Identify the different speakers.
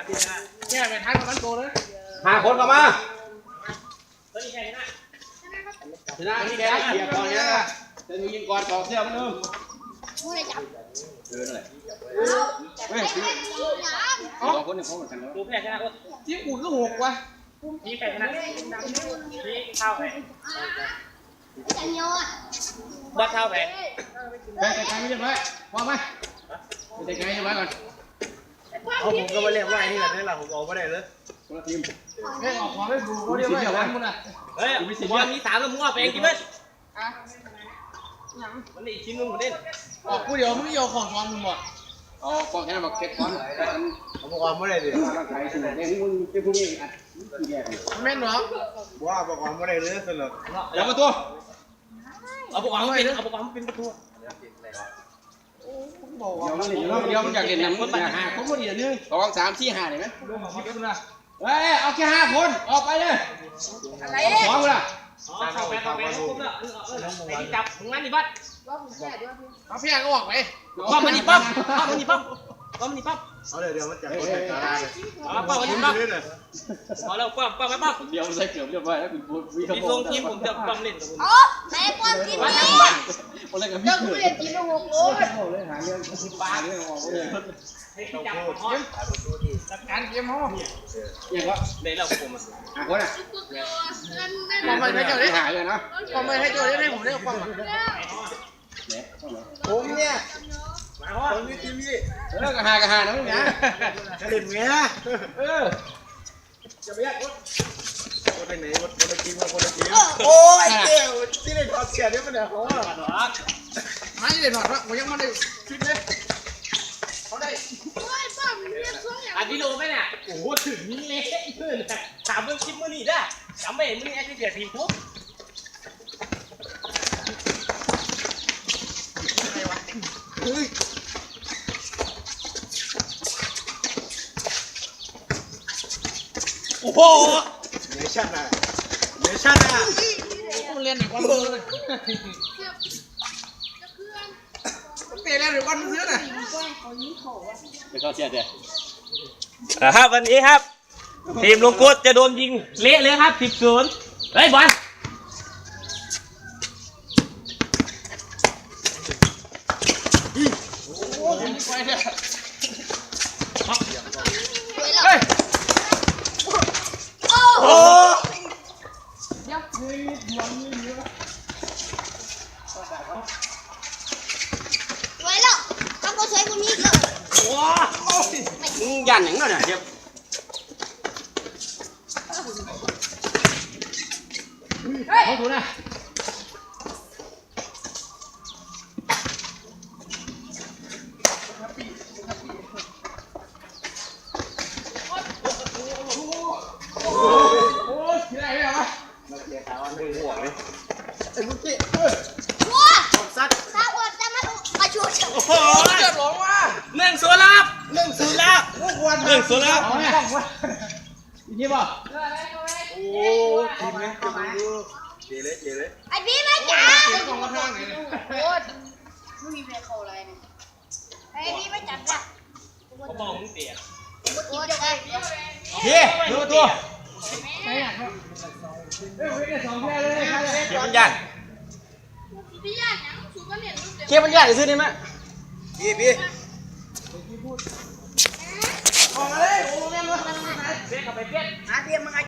Speaker 1: แค่ไปท้ายมันโตเลย
Speaker 2: 5 คนเข้ามา
Speaker 1: ตัวนี้แค่นี้นะ
Speaker 2: ชนะนี่แกเกียร์ก่อนเนี่ยจะยิงก่อนต่อเสี้ยวมันนึงนั่นแหละเฮ้ย2 คนเนี่ยเขาเหมือนกันแล้ว
Speaker 1: ดูแพ้ชนะที่อุ่นก็6ว่ะนี่แพ้ชนะนี่เข้าไปบัดเข้าไป
Speaker 2: ไปไกลๆไม่เรียบร้อยพร้อมไหมไปไกลๆเรียบร้อยก่อน
Speaker 3: เอาผมก็มาเรียกว่าไอ้นี่แหละนี่แหละผมเอาไม่ได้เลย
Speaker 2: คนละทีม
Speaker 1: เฮ้ยออกของให้ดูเขาเรียกว่าอะไรมึงอ่ะ
Speaker 3: เฮ้ยบอลมี3แล้วมึงว่าไปเองกี่เม็ดมันอีกชิ้นนึงผมเล่น
Speaker 1: ออกกูเดี๋ยวมึงโยของซ้อนมึงหมด
Speaker 2: อ๋อป้องแค่นั้นบอกเก็บก้อน
Speaker 3: ผมบอกว่าไม่ได้ดิ
Speaker 2: ร่างกายสนุกเนี่ยมึงเป็นผู้นี้อัดที่แย่
Speaker 1: แม่นเหรอ
Speaker 3: ว่าบอกว่าไม่ได้เลยสนุก
Speaker 2: แล้วก็ตัว
Speaker 3: เอาบอกว่าเป็นเอาบอกว่าเป็นประตู
Speaker 2: เดี๋ยวมันอยากเล่นน้ำมันอยาก5 คนพอดีนึง2 3 4 5ได้ไหมเฮ้ยเอาแค่5 คนออกไปเลยอะไรขอกูล่ะ
Speaker 3: เข้าไปปุ๊บแล้วไอ้ที่จับมึงงั้นนี่บัด
Speaker 1: เอาพี่ก็ออกไป
Speaker 3: ป้อมมันนี่ป้อมมันนี่ป้อมมันนี่ป้อม
Speaker 4: เอาเดี๋ยวมันจะคนแต่ละเลย
Speaker 3: ป้อมมันนี่ป้อมพอแล้วป้อมไปป้อม
Speaker 2: เดี๋ยวใส่เกือบเรียบร้อยแล้วคุณพูดวิ่ง
Speaker 3: มีทรงทีมผมจะป้อมเล่นกับคุณ
Speaker 5: อ๋อแม่ความกินนี่
Speaker 2: คนแรกกับ
Speaker 5: เจ้า
Speaker 2: พี่
Speaker 5: กู
Speaker 2: เกิด
Speaker 5: เรียนกินมา6 โล
Speaker 2: เลยหาเรื่องปลาเรื่องออกเลย
Speaker 3: ให้ที่จับของ
Speaker 1: จัดการเกมห้อง
Speaker 2: อย่างก็
Speaker 3: ในเราผม
Speaker 2: คนอ่ะ
Speaker 1: ความไม่ให้เจ้าได้
Speaker 2: หาเลยนะ
Speaker 1: ความไม่ให้เจ้าได้ผมได้ความ
Speaker 4: ผมเนี่ยผมนี่ทีมนี่
Speaker 2: เลิกกับหานะมึงนะ
Speaker 4: เล่นเงี้ย
Speaker 2: จะไปยากคน
Speaker 4: คนไหนคนละทีมคนละทีมโอ้ยเจ้าที่ได้ถอดเสียเนี่ยมันเนี่ยเขาอะ
Speaker 1: ไม่ได้ถอดวะผมยังไม่ได้คิดเลยเขาได้
Speaker 3: อันที่โลไหมเนี่ยโอ้โหถึงนี่เละเพื่อนถามเรื่องคลิปมือนี่ได้จำไม่เห็นมือนี่แอคทีฟทีมทุก โอ้โห
Speaker 4: เนชั่นอะเนชั่นอะ
Speaker 1: มันเรียนหนึ่งวันเลยเตะเรียนหนึ่งวันซื้อน่ะ
Speaker 2: ไปเข้าเสียเดี๋ยว
Speaker 3: ครับวันนี้ครับทีมลุงกุ๊ดจะโดนยิงเละเลยครับ10-0เฮ้ยบอล
Speaker 1: เฮ้ย
Speaker 3: โอ้
Speaker 5: ไว้แล้วทำก็ใช้คนนี้เลย
Speaker 3: ว้ามึงยันอย่างนั้นน่ะเดี๋ยว
Speaker 1: เขาถูกนะโอ้ยที่ไหนไม่เอาวะ
Speaker 5: ว้าถ้าอดจะมาช่วยฉัน
Speaker 3: โอ้โห
Speaker 1: เดือดร้อนว่ะ
Speaker 3: 1-0แล้วครับ1-0แล้ว1-0แล้ว
Speaker 1: เอาเนี่ยอีกทีป่ะ
Speaker 4: โอ้ทีมนี้จะมาดูเจเลยเจเลย
Speaker 5: ไอ้พี่ไม่จ๋า
Speaker 1: เป็นกองกระทางเลย
Speaker 5: โคตรไม่มีเพลงเขาอะไรเนี่ยไอ้พี่ไม่จับจ้ะ
Speaker 3: เขาบอกมึงเสีย
Speaker 5: โคตรเลย
Speaker 2: เฮ้ยดูตัว
Speaker 1: ใช่อ่ะเฮ้ยวิ่งได้2แค่เลยใครเลย
Speaker 2: เก็บมันยัน
Speaker 5: พี่ย่าเนี่ยสูบก็เรียนรู้
Speaker 2: เก็บมันยันซื้อได้ไหม
Speaker 4: พี่
Speaker 1: ออกมาเลยโอ้แม่มา
Speaker 3: เสียเข้าไปเพี้ยน
Speaker 5: หาเทียมมึงไอ้